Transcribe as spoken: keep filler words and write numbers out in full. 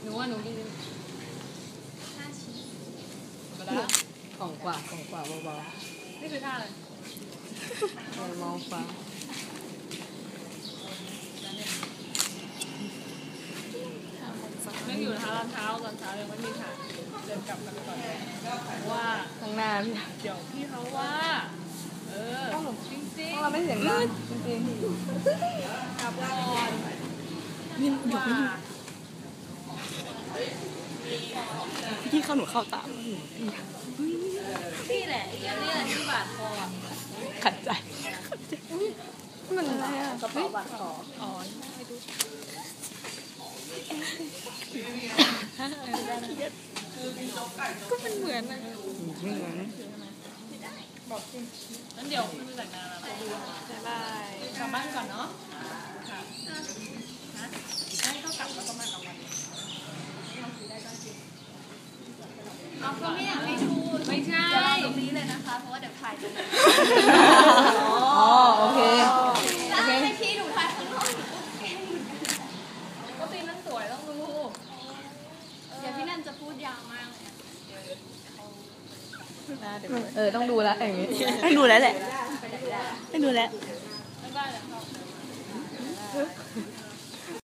หนูว่าหนูกินห้าชิ้นก็ได้ของกว่ากล่องกว่าเบาๆนี่คือท่าอะไรมองฟ้ายังอยู่นะคะตอนเช้าตอนเช้ายังไม่มีค่ะเดินกลับกันก่อนว่าข้างหน้าพี่เดี๋ยวพี่เขาว่าเออจริงจริงเราไม่เสียงดังจริงจริงกลับก่อนนี่ว่าพี่เข้าหนูเข้าตามนี่แหละอีกอันนี้แหละที่บาดคอขัดใจมันอะไรอ่ะกระเป๋าบาดคออ๋อให้ดูก็มันเหมือนนะไม่เหมือนบอกจริงงั้นเดี๋ยวคุณแต่งงานแล้วบ๊ายบายกลับบ้านก่อนเนาะค่ะนะให้เขากลับแล้วก็มากลับวันเอาก็ไม่อยากให้ดูไม่ใช่จะรอตรงนี้เลยนะคะเพราะว่าเดี๋ยวถ่ายตรงนี้อ๋อโอเคโอเคให้พี่ดูถ่ายข้างนอกก็ตีนั่นสวยต้องดูเดี๋ยวพี่นันจะพูดยาวมากเลยเออต้องดูแล้วอย่างงี้ให้ดูแล้วแหละให้ดูแล้วไม่ได้แล้ว